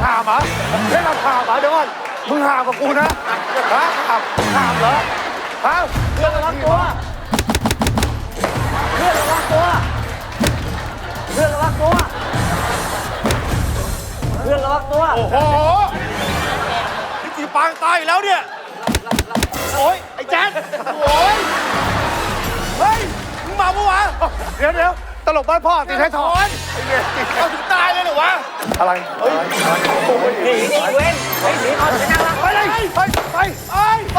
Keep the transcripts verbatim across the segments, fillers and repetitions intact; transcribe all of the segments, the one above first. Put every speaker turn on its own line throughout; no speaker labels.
หามเหรอเล่นหามเหรอเดี๋ยวก่อนมึงหามกับกูนะฮะหามหามเหรอฮะเพื่อนระวังตัวเพื่อนระวังตัวเพื่อนระวังตัวเพื่อนระวังตัวโอ้โหนี่ตีปางตายแล้วเนี่ยโอ้ยไอ้แจ๊ดโอ้ยเฮ้ยมึงมาปะวะเดี๋ยวเดี๋ยวตลกบ้านพ่อตีไทยทอนเอาถึงตายเลยเหรอวะอะไรเฮ้ยหนีหนีเว้นเฮ้ยหนีเอาไปนั่งละไปเลยไปไปไปไป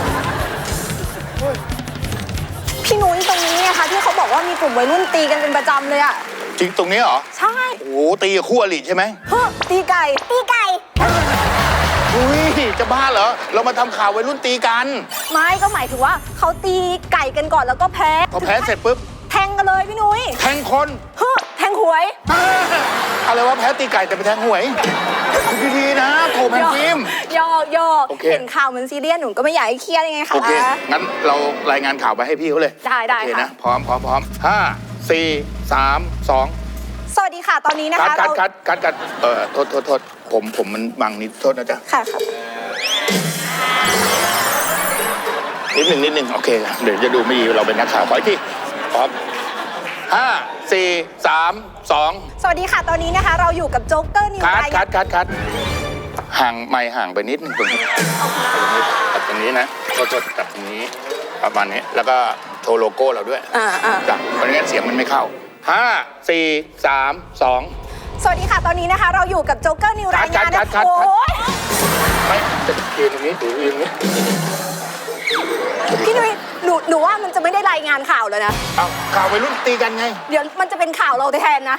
พี่นุ้ยตรงนี้เนี่ยค่ะที่เขาบอกว่ามีกลุ่มวัยรุ่นตีกันเป็นประจำเลยอะ
จริงตรงนี้เหรอ
ใช่
โอ้ตีกับคู่อริใช่ไหม
เฮ้ตีไก่ตีไก่
อุ้ยจะบ้าเหรอเรามาทำข่าววัยรุ่นตีกัน
ไม่ก็หมายถึงว่าเขาตีไก่กันก่อนแล้วก็แพ้
พอแพ้เสร็จปุ๊บ
แทงกันเลยพี่นุ้ย
แทงคน
เฮ้แทงหวย
อะไรวะแพ้ตีไก่แต่ไปแทงหวยดีๆนะโถแพนฟิล์ม
ยอกยอกเห็นข่าวเหมือนซีเรียสหนูก็ไม่อยากให้เครียดยังไงคะ
โอเคงั้นเรารายงานข่าวไปให้พี่เขาเลย
ได้ได้ค่ะ
นะพร้อมพร้อมพร้อมห้าสี่สามสอง
สวัสดีค่ะตอนนี้นะคะ
กัดกัดกัดกัดเอ่อโทษโทษโทษผมผมมันบังนิดโทษนะจ๊ะ
ค่ะครับ
นิดหนึ่งนิดหนึ่งโอเคเดี๋ยวจะดูไม่ดีเราเป็นนักข่าวขออีกทีพร้อมห้าสี่สามสอง
สวัสดีค่ะตอนนี้นะคะเราอยู่กับโจ๊กเกอร์นิว
คัดคัดคัดคัดห่างไม่ห่างไปนิดหนึ่งตรงนี้ตัดตรงนี้นะโทษโทษตัดตรงนี้ประมาณนี้แล้วก็โชว์โลโก้เราด้วย
อ่าอ่า
จ้ะเพราะงั้นเสียงมันไม่เข้าห้าสี่สามสอง
สวัสดีค่ะตอนนี้นะคะเราอยู่กับโจ๊กเกอร์นิวรายงานนะโอ้ย
ไม่จะยืนตรงนี้ถือยืนตรงนี้
พี่นุ้ยหนูหนูว่ามันจะไม่ได้รายงานข่าวแล้วนะ
เอาข่าววัยรุ่นตีกันไง
เดี๋ยวมันจะเป็นข่าวเราแทนนะ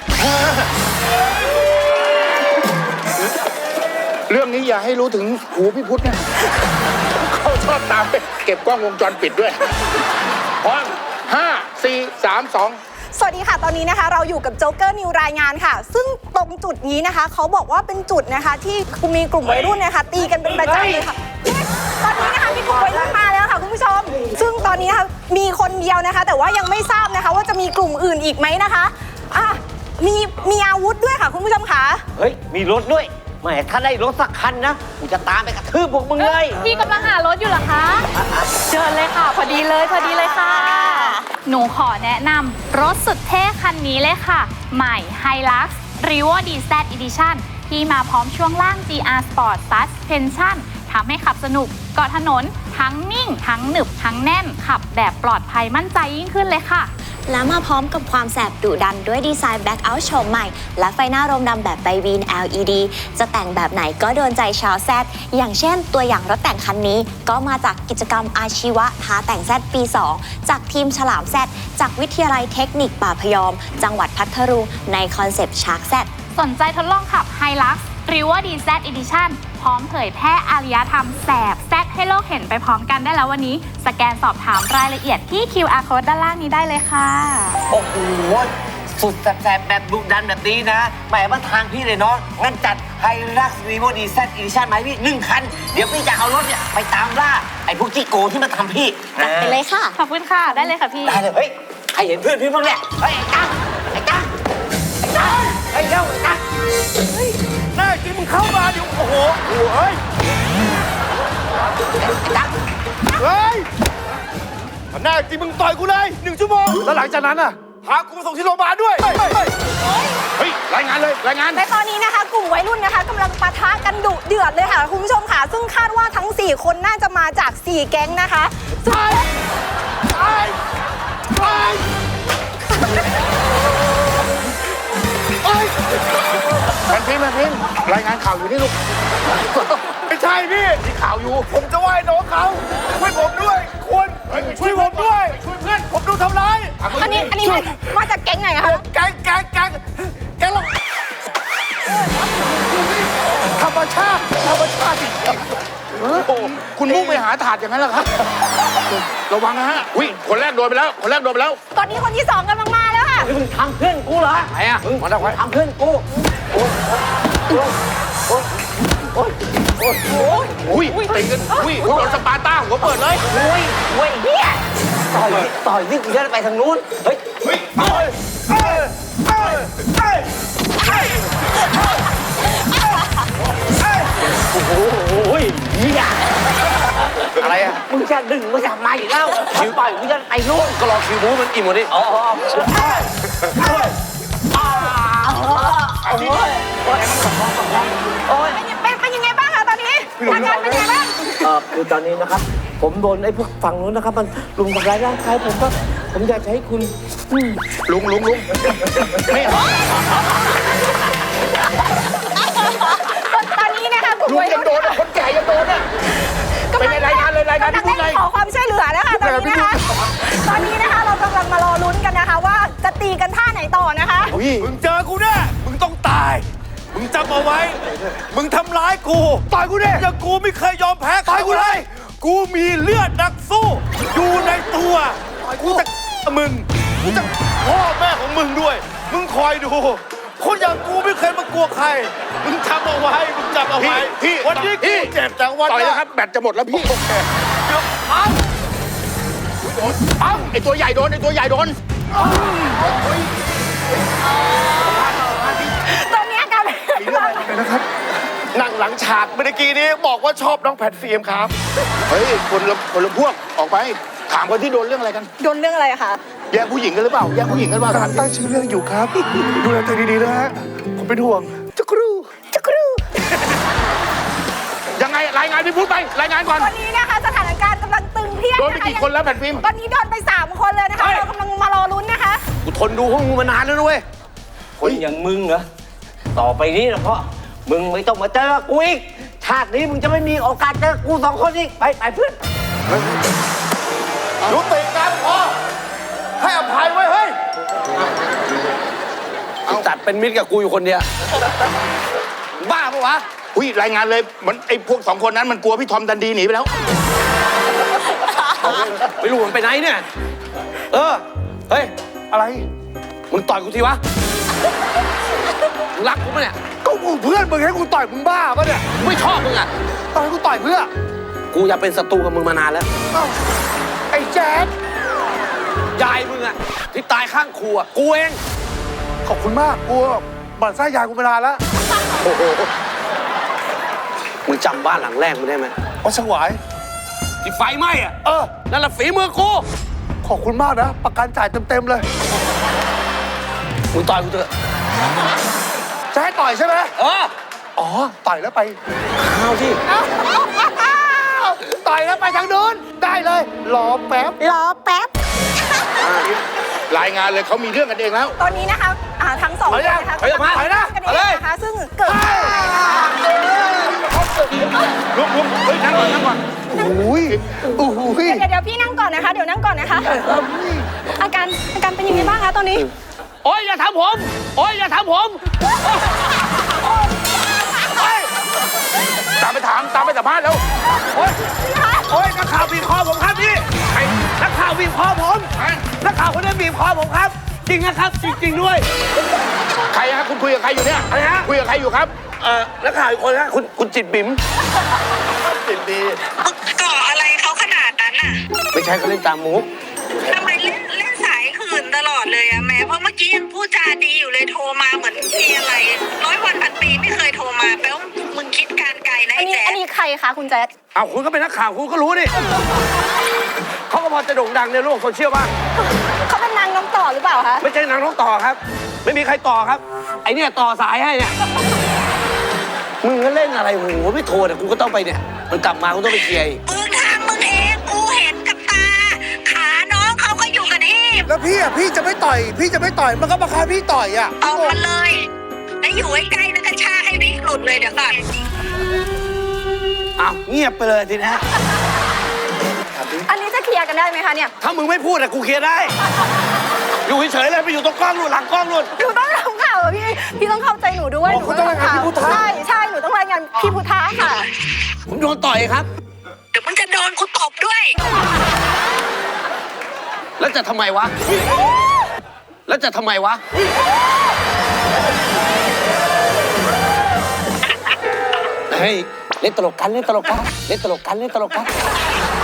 เรื่องนี้อย่าให้รู้ถึงหูพี่พุทธนะเขาชอบตามไปเก็บกล้องวงจรปิดด้วยพร้อมห้าสี่สามสอง
สวัสดีค่ะตอนนี้นะคะเราอยู่กับโจ๊กเกอร์นิวรายงานค่ะซึ่งตรงจุดนี้นะคะเขาบอกว่าเป็นจุดนะคะที่มีกลุ่มวัยรุ่นนะคะตีกันเป็นประจำเลยค่ะตอนนี้นะคะมีกลุ่มวัยรุ่นมาแล้วค่ะคุณผู้ชมซึ่งตอนนี้ค่ะมีคนเดียวนะคะแต่ว่ายังไม่ทราบนะคะว่าจะมีกลุ่มอื่นอีกไหมนะคะอ่ะมีมีอาวุธด้วยค่ะคุณผู้ชมค่ะ
เฮ้ยมีรถด้วยแหมถ้าได้รถสักคันนะกูจะตามไปกระทืบพวกมึงเลย
พี่กำลังหารถอยู่เหรอคะเชิญเลยค่ะพอดีเลยพอดีเลยค่ะหนูขอแนะนำรถสุดเท่คันนี้เลยค่ะใหม่ Hilux Revo ดี แซด Edition ที่มาพร้อมช่วงล่าง จี อาร์ Sport Suspension ทำให้ขับสนุกเกาะถนนทั้งนิ่งทั้งหนึบทั้งแน่นขับแบบปลอดภัยมั่นใจยิ่งขึ้นเลยค่ะ
และมาพร้อมกับความแสบดุดันด้วยดีไซน์ Black Out โฉมใหม่และไฟหน้าโรมดำแบบไบวีน แอล อี ดี จะแต่งแบบไหนก็โดนใจชาวแซดอย่างเช่นตัวอย่างรถแต่งคันนี้ก็มาจากกิจกรรมอาชีวะท้าแต่งแซดปีสองจากทีมฉลามแซดจากวิทยาลัยเทคนิคป่าพยอมจังหวัดพัทลุงในคอนเซปต์ชาร์กแซด
สนใจทดลองขับ Hilux Revo ดี แซด Edition พร้อมเผยแพร่อารยธรรมแสบแซดให้โลกเห็นไปพร้อมกันได้แล้ววันนี้สแกนสอบถามรายละเอียดที่ คิว อาร์ Code ด้านล่างนี้ได้เลยค่ะ
โอ้โหสุดแสบแบบดุดันแบบนี้นะหมายว่าทางพี่เลยเนาะงั้นจัด Hilux Revo ดี แซด Edition มาให้พี่หนึ่งคันเดี๋ยวพี่จะเอารถเนี่ยไปตามล่าไอ้พวกจี้โกที่มาทำพี่
จัดไปเลยค่ะ
ขอบคุณค่ะได้เลยค่ะพี่
ได้เลยเฮ้ยใครเห็นเพื่อนพี่บ้างเนี่ยเฮ้ยไอ้กั๊กไอ้กั๊กไอ้กั๊กไอ้เจ้าไอ้กั๊ก
แน่จริงมึงเข้ามาดิโอ้โหเฮ้ยเฮ้ยแน่จริงมึงต่อยกูเลยหนึ่งชั่วโมงแล้วหลังจากนั้นอ่ะพากูมาส่งที่โรงพยาบาลด้วย
เฮ้ยรายงานเลยรายงาน
ในตอนนี้นะคะกลุ่มวัยรุ่นนะคะกำลังปะทะกันดุเดือดเลยค่ะคุณผู้ชมค่ะซึ่งคาดว่าทั้งสี่คนน่าจะมาจากสี่แก๊งนะคะ
ใช่ใช่ใช่
แมนพิมแมนพิมรายงานข่าวอยู่นี่ลูก
ไม่ใช่พี่
ที่ข่าวอยู่
ผมจะไหว้น้องเขาช่วยผมด้วยคุณช่วยผมด้วยช่วยเพื่อนผมดูทำร้าย
อันนี้อันนี้มาจากแก๊งไหนคะ
แก๊งแก๊งแก๊งแก๊งเราธรรมชาติธรรมชาติจริง
คุณมุ่งไปหาถาดอย่างนั้นเหรอครับระวังนะฮะอุ้ยคนแรกโดนไปแล้วคนแรกโดนไปแล้ว
ตอนนี้คนที่สองกำลังมาแล้วค่ะ
มึงทำเพื่อนกูเหรอ
ไหนอ่ะ
มึงมาทำเพื่อนกูโอ้ยโอ้ยโอ้ยโอ้ยโอ้ย
โอ้ยอุ้ยตีกันอุ้ยโดนสปาร์ต้าหัวเปิดเลย
โอ้ยโอ้ยเฮียต่อยต่อยนี่กูจะไปทางนู้นเฮ้ยเฮ้ยเฮ้ยเฮ้ยเฮ้ยเฮ้ยโอ้โหเฮีย
อะไรอ่ะ
มึงจะดึงมึงจะมาอีกแล้วคิวต่อยมึงจะไปนู่น
ก็รอคิวบูมันอิ่มหมดดิ
อ๋อโอ้ยโอ้ย
เป็นเป็นยังไงบ้างคะตอนนี้อาการเป็นยังไงบ้าง
เออคือตอนนี้นะครับ ผมโดนไอ้พวกฝั่งนู้นนะครับ มันรุมทำร้ายร่างกายผมก็ผมอยากจะให้คุณ
ลุงลุงลุงไม่
ตอนนี้นะคะกลุ่ม
ลุง
วัย
ยั
รุ่
ง
น
โดนอ่ะคนแก่ยังโดนอ่ะ
กำลัง
เป็นไงรายงานเลยรายงานที่พูดไง
กำลังขอความช่วยเหลือนะคะตอนนี้นะคะ ตอนนี้นะคะเรากำลังมารอลุ้นกันนะคะ ว่าจะตีกันท่าไหนต่อนะคะ
มึงเจอกูแน่มึงต้องตาย มึงจำเอาไว้ มึงทำร้ายกูต่อยกูแน่อย่างกูไม่เคยยอมแพ้ต่อยกูเลย กูมีเลือดนักสู้ อยู่ในตัว กูจะมึง กูจะพ่อแม่ของมึงด้วย มึงคอยดู คนอย่างกูไม่เคยมากลัวใคร มึงจำเอาไว้ มึงจำเอาไว้
พี่
วันนี้กูเจ็บจากวัน
ต่อยแล้วครับ แบตจะหมดแล้วพี่
เดี๋ยวเอ้า
เอ้าไอตัวใหญ่โดนไอตัวใหญ่โดน
ตอนนี้อาการเป็นยังไงบ้าง
นะครับนั่งหลังฉากเมื่อกี้นี้บอกว่าชอบน้องแพทฟิล์มครับ
เฮ้ยคนละคนละพวกออกไป ถามคนที่โดนเรื่องอะไรกัน
โดนเรื่องอะไรอะคะ
แย่งผู้หญิงกันหรือเปล่าแย่งผู้หญิงกันหรือเปล่าก
ำลังตั้งชื่อเรื่องอยู่ครับ ดูแลตัวเองดีๆนะฮะ ผมเป็นห่วงจักรู
จักรู
ยังไงรายงานพี่พูดไปรายงานก่อน
ตอนนี้นะคะสถานการณ์กำลังตึงเครียด
โดนไป
นะคะ
กี่คนแล้วแผ่นฟิล์ม
ตอนนี้โดนไปสามคนเลยนะคะ เรากำลังมารอลุ้นนะคะ
กูทนดูพวกมึงมานานแล้วนะเว้ย
คนอย่างมึงเหรอ ต่อไปนี้นะพ่อ มึงไม่ต้องมาเจอกูอีก ชาตินี้มึงจะไม่มีโอกาสเจอกูสองคนอีก ไปไปเพื่อน
ยุติการพอให้อภัยไว้เฮ้ย
จัดเป็นมิตรกับกูอยู่คนเดียว
บ้าปะวะ
อุ้ยรายงานเลยมันไอพวกสองคนนั้นมันกลัวพี่ทอมดันดีหนีไปแล้ว
ไม่รู้มันไปไหนเนี่ย เออ เฮ้ย
อะไร
มึงต่อยกูทีวะ มึงรักกูปะเนี่ย
ก็กูเพื่อนมึงให้กูต่อยมึงบ้าปะเนี่ย
กูไม่ชอบมึงอ่ะ
ต่อยกูต่อยเพื่อ
กูอยากเป็นศัตรูกับมึงมานานแล้ว
เอ้าไอ้แจ๊ด
ยายมึงอ่ะ ที่ตายข้างครัว กูเอง
ขอบคุณมากกูบั่นไส้ยายกูมานานแล้ว
โอ้โห มึงจำบ้านหลังแรกมึงได้ไหม
เอาฉวาย
ที่ไฟไหม้อ่ะ
เออ
นั่นแหละฝีมือกู
ขอบคุณมากนะ ประกันจ่ายเต็มๆเลย
มึงต่อยกูเถอะ
จะให้ต่อยใช่ไหม
เออ
อ๋อ ต่อยแล้วไป
ข้าวที่
ต่อยแล้วไปทางนู้น ได้เลย รอแป๊บ
รอแป๊บ
รายงานเลยเขามีเรื่องกันเองแล้ว
ตอนนี้นะคะอ่าทั้งสองคนนะคะ
ถอยออกมาถอยนะ
กัน
ถอยเลย
เองนะคะ ซึ่งเกิด
ลุกลุกเฮ้ยนั่งก่อนนั่งก่อน
โอ้ยโอ้ย
เดี๋ยวเดี๋ยวพี่นั่งก่อนนะคะ เดี๋ยวนั่งก่อนนะคะ อาการอาการเป็นยังไงบ้างคะตอนนี้
โอ๊ยอย่าทำผม โอ๊ยอย่าทำผม
ตามไปถามตามไปสัมภาษณ์แล้ว
โอ้ยโอ้ยนักข่าวบีบคอผมครับพี่ไอ้นักข่าวบีบคอผมนักข่าวคนนี้บีบคอผมครับ จริงนะครับ จริง ๆ ด้วย
ใครฮะคุณคุยกับใครอยู่เนี่ย
อะไรฮะ
คุยกับใครอยู่ครับ
เอ่อนักข่าวอีกคนฮะคุณคุณจิตบิ๋มจิตดี
ก่ออะไรเขาขนาดนั้นน่ะ
ไม่ใช่เขาเล่นตามมุก
ทำไมเล่นเล่นสายคืนตลอดเลยอะแม่เพราะเมื่อกี้ยังพูดจาดีอยู่เลยโทรมาเหมือนมีอะไร ร้อยวันพันปีไม่เคยโทรมาแปลว่ามึงคิดการไกลนะ
อั
ไอ้
นนี้
แจ๊
อันนี้ใครคะคุณแจ๊ด
เอาคุณก็เป็นนักข่าวคุณก็รู้ดิเขาก็พอจะโด่งดังในโลกโซเชียลบ้าง
เขาเป็นนางน้องต่อหรือเปล่าคะ
ไม่ใช่นางน้องต่อครับ ไม่มีใครต่อครับ ไอเนี่ยต่อสายให้เนี่ย
มึงก็เล่นอะไรโหไม่โทรแต่กูก็ต้องไปเนี่ย มันกลับมากูต้องไปเคลียร์อีก
มึงทำมึงเองกูเห็นกับตา ขาน้องเขาก็อยู่กันที่
แล้วพี่อ่ะพี่จะไม่ต่อย พี่จะไม่ต่อยมันก็มาคาพี่ต่อยอ่ะ
เอามาเลยแล้วอยู่ใกล้ๆแล้วก็ชากให้วิกหลุดเลยเดี๋ยวก่อน
อ้าวเงียบไปเลยทีนะ
อันนี้จะเคลียร์กันได้ไหมคะเนี่ย
ถ้ามึงไม่พูดอะกูเคลียร์ได้ อยู่เฉยๆเลยไปอยู่ตรงกล้องนู่นหลังกล้องนู่น
หนูต้องทำข่าวอะพี่ พี่ต้องเข้าใจหนูด้วย
อ๋อคุณต้องรายงานพี่พุทธะ
ใช่ใช่หนูต้องรายงานพี่พุทธะค่ะ
ผมโดนต่อยครับ
เดี๋ยวมึงจะโดนกูตบด้วย
แล้วจะทำไมวะ แล้วจะทำไมวะ เฮ้ย เล่นตลกกัน เล่นตลกกัน เล่นตลกกัน เล่นตลกกัน